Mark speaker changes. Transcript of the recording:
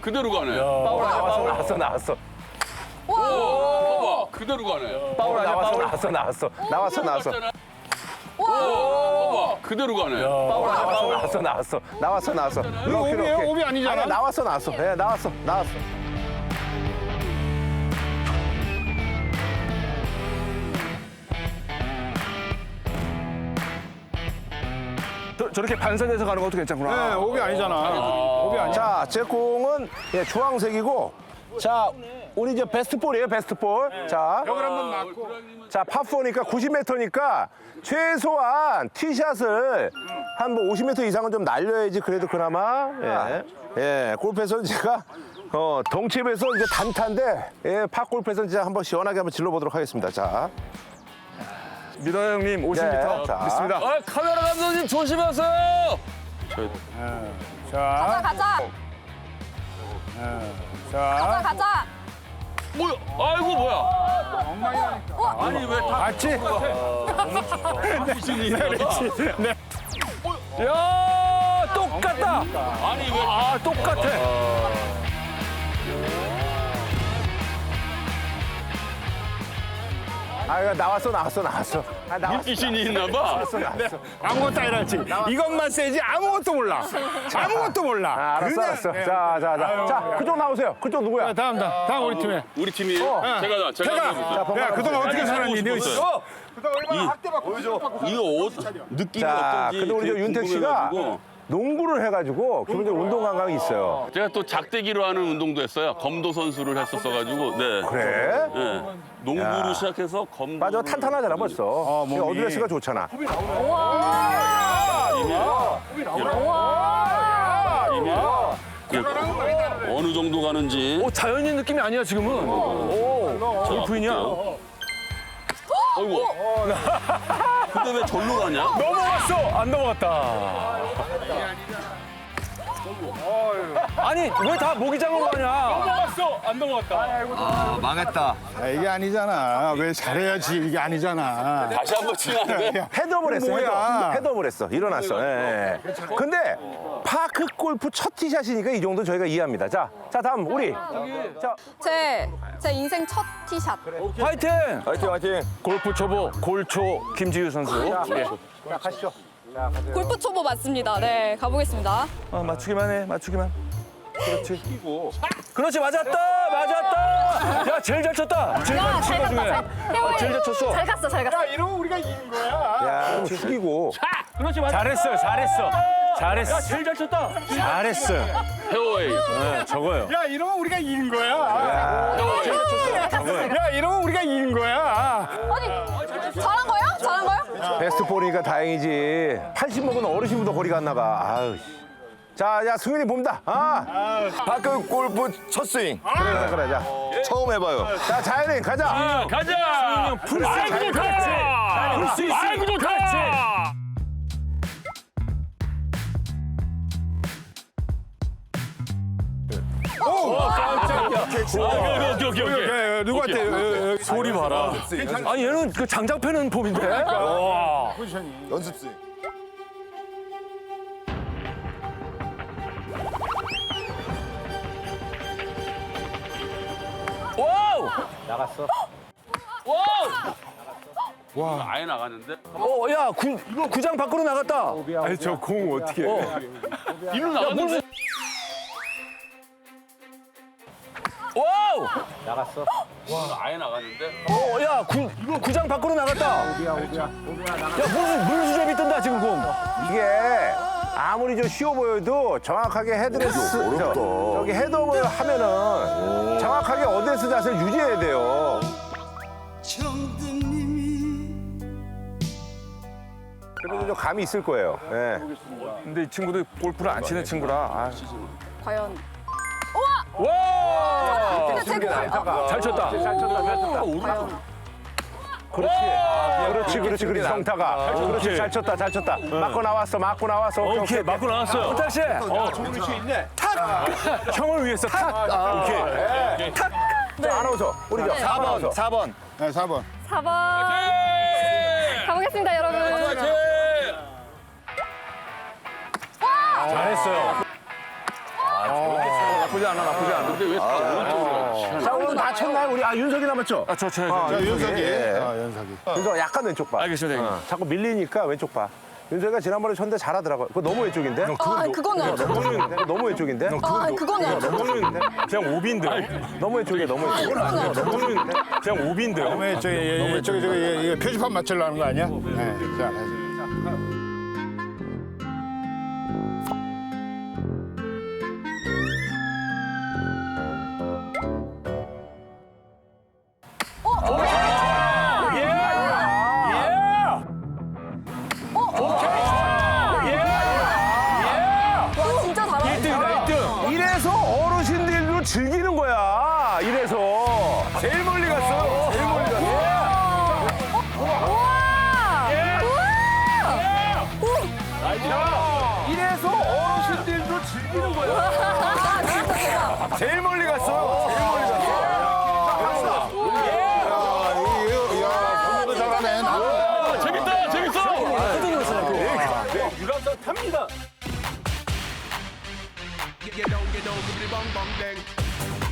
Speaker 1: 그대로 가네.
Speaker 2: 파울 아니야?
Speaker 3: 나왔어.
Speaker 1: 봐봐, 그대로 가네.
Speaker 3: 파울 아니야? 나왔어.
Speaker 1: 봐봐, 그대로 가네.
Speaker 3: 파울 아니야? 나왔어.
Speaker 2: 이거 오비예요? 오비 아니잖아.
Speaker 3: 아니, 나왔어. 예, 나왔어.
Speaker 4: 저렇게 반사돼서 가는 것도 괜찮구나.
Speaker 2: 네, 오비 아니잖아. 오비 아니야.
Speaker 3: 자, 제 공은 예, 주황색이고, 자, 우리 이제 베스트 볼이에요, 베스트 볼. 자,
Speaker 2: 벽을 한번 맞고.
Speaker 3: 자, 파4니까 90m니까 최소한 티샷을 한 뭐 50m 이상은 좀 날려야지 그래도 그나마. 예, 골프에서는 제가 덩치에서 이제 단타인데, 예, 파 골프에서는 진짜 한번 시원하게 한번 질러보도록 하겠습니다. 자,
Speaker 4: 미더 형님 50m
Speaker 3: 네, 자.
Speaker 4: 믿습니다.
Speaker 1: 카메라 감독님 조심하세요.
Speaker 2: 자,
Speaker 5: 가자.
Speaker 2: 자.
Speaker 5: 가자.
Speaker 1: 뭐야? 아이고 뭐야?
Speaker 2: 엉망이라니까.
Speaker 1: 아니 왜 다?
Speaker 2: 맞지? 네.
Speaker 4: 야 똑같다.
Speaker 1: 아니 왜?
Speaker 4: 아 똑같아.
Speaker 3: 아, 나왔어. 아, 나왔어.
Speaker 1: 물귀신이 있나 봐.
Speaker 2: 아무것도 아니라지. 이것만 세지 아무것도 몰라. 아무것도 몰라.
Speaker 3: 아, 알았어.
Speaker 2: 네.
Speaker 3: 자, 그쪽 나오세요. 그쪽 누구야?
Speaker 2: 다음 우리 팀에.
Speaker 1: 우리 팀이에요? 제가
Speaker 3: 자,
Speaker 2: 야,
Speaker 3: 번갈아
Speaker 2: 그동안
Speaker 3: 보세요.
Speaker 2: 어떻게 살았니? 너
Speaker 1: 싶었어요.
Speaker 2: 그동안 얼마나 학대받고
Speaker 1: 이거 옷 느낌이
Speaker 3: 자,
Speaker 1: 어떤지.
Speaker 3: 근데 우리 저
Speaker 1: 되게
Speaker 3: 윤택 씨가
Speaker 1: 궁금해가지고.
Speaker 3: 농구를 해가지고 기본적으로 운동 감각이 있어요.
Speaker 1: 제가 또 작대기로 하는 운동도 했어요. 검도 선수를 했었어가지고. 네.
Speaker 3: 그래?
Speaker 1: 네. 농구로
Speaker 3: 야.
Speaker 1: 시작해서 검도.
Speaker 3: 맞아, 탄탄하잖아 벌써.
Speaker 2: 몸이.
Speaker 3: 어드레스가 좋잖아.
Speaker 1: 어느 정도 가는지.
Speaker 4: 자연인 느낌이 아니야 지금은. 저기 부인이야.
Speaker 1: 어이구. 근데 왜 절로 가냐?
Speaker 4: 넘어갔어. 안 넘어갔다. 아니 왜 다 모기장으로 가냐? 넘어갔어. 안 넘어갔다.
Speaker 2: 이게 아니잖아. 왜 잘해야지. 이게 아니잖아.
Speaker 1: 다시 한번 치는데.
Speaker 3: 헤드업을 했어.
Speaker 2: 뭐야?
Speaker 3: 헤드업을 했어. 일어났어. 예. 근데 파크 골프 첫 티샷이니까 이 정도 저희가 이해합니다. 자, 다음 우리. 자,
Speaker 5: 제 인생 첫 티샷.
Speaker 4: 화이팅.
Speaker 3: 화이팅.
Speaker 4: 골프 초보 골초 김지우 선수. 예.
Speaker 3: 자, 가시죠.
Speaker 5: 골프 초보 맞습니다. 네, 가보겠습니다.
Speaker 4: 맞추기만 해. 맞추기만. 그렇지 맞았다. 야 제일 잘 쳤다. 제일 잘 친 거 중에. 제일 잘 쳤어.
Speaker 5: 잘 갔어.
Speaker 2: 야, 이러면 우리가 이긴 거야.
Speaker 3: 야, 숙이고.
Speaker 4: 그렇지 맞았다. 잘했어. 야 제일 잘 쳤다. 잘했어요.
Speaker 1: 페어웨이.
Speaker 4: 네, 저거요.
Speaker 2: 야, 이러면 우리가 이긴 거야. 야, 이러면 우리가 이긴 거야.
Speaker 5: 아니, 잘한 거예요?
Speaker 3: 베스트 볼이니까 다행이지. 80 먹은 어르신보다 거리가 안 나가. 아유. 씨. 자, 승윤이 봅니다.
Speaker 6: 파크 골프 첫 스윙
Speaker 3: 그래. 자,
Speaker 6: 처음 해봐요.
Speaker 3: 자, 자연인 가자.
Speaker 1: 가자.
Speaker 4: 아이고 좋다. 풀수 있어. 아이고 좋다.
Speaker 1: 오케이.
Speaker 2: 누구한테?
Speaker 4: 소리 봐라. 아니 얘는 그 장작 패는 폼인데. 와.
Speaker 6: 연습 스윙.
Speaker 4: 와우.
Speaker 3: 나갔어.
Speaker 1: 와. 아예 나가는데.
Speaker 4: 야 구장 밖으로 나갔다.
Speaker 2: 아니, 저 공 어떻게 해?
Speaker 1: 일로 나갔는데.
Speaker 4: 와우.
Speaker 3: 나갔어.
Speaker 1: 아예 나갔는데.
Speaker 4: 야 구장 밖으로 나갔다. 야 무슨 물수제비 뜬다 지금 공.
Speaker 3: 이게 아무리 좀 쉬워 보여도 정확하게 헤드레스 저기 헤드업을 하면은 정확하게 어드레스 자세를 유지해야 돼요. 그래도 좀 감이 있을 거예요. 예.
Speaker 4: 근데 이 친구도 골프를 안 치는 친구라. 아.
Speaker 5: 과연.
Speaker 4: 와.
Speaker 5: 근데 제 공.
Speaker 4: 잘 쳤다.
Speaker 3: 그렇지, 정타가. 그렇지, 잘 쳤다. 맞고 나왔어.
Speaker 4: 오케이 맞고 나왔어요. 호탁 씨. 탁. 형을 위해서 탁. 오케이. 탁.
Speaker 3: 자, 아나운서, 우리 저 4번.
Speaker 2: 네, 4번.
Speaker 5: 4번. 가보겠습니다, 여러분.
Speaker 4: 잘했어요. 나쁘지 않아, 나쁘지 않아.
Speaker 1: 근데 왜 다 오른쪽으로?
Speaker 3: 자, 오늘 다 쳤나요? 우리 윤석이 남았죠?
Speaker 4: 아, 저.
Speaker 6: 윤석이.
Speaker 3: 예.
Speaker 6: 윤석이.
Speaker 3: 윤석 약간 왼쪽 봐.
Speaker 4: 알겠습니다, 형님.
Speaker 3: 자꾸 밀리니까 왼쪽 봐. 윤석이가 지난번에 쳤는데 잘하더라고요. 그거 너무 왼쪽인데?
Speaker 5: 아, 그거는.
Speaker 3: 그거 너무 왼쪽인데?
Speaker 5: 아, 그거는.
Speaker 4: 그거는 그냥 오비인데요.
Speaker 3: 너무 왼쪽이야, 너무 왼쪽.
Speaker 4: 그거는 그냥 오비인데요.
Speaker 2: 저기 표지판 맞추려고 하는 거 아니야? 네. 자,
Speaker 5: 와, 진짜 잘하셨다.
Speaker 3: 이래서 어르신들도 즐기는 거야. 이래서. 제일 멀리 갔어요. 제일 멀리 갔어. 이래서 어르신들도 즐기는 거야.
Speaker 5: 아, 진짜 대박.
Speaker 3: 제일 멀리 갔어. 제일 멀리 갔어.
Speaker 6: 공부도 잘하네.
Speaker 1: 재밌다, 재밌어.
Speaker 3: 유람선 탑니다.
Speaker 7: You don't bang bang.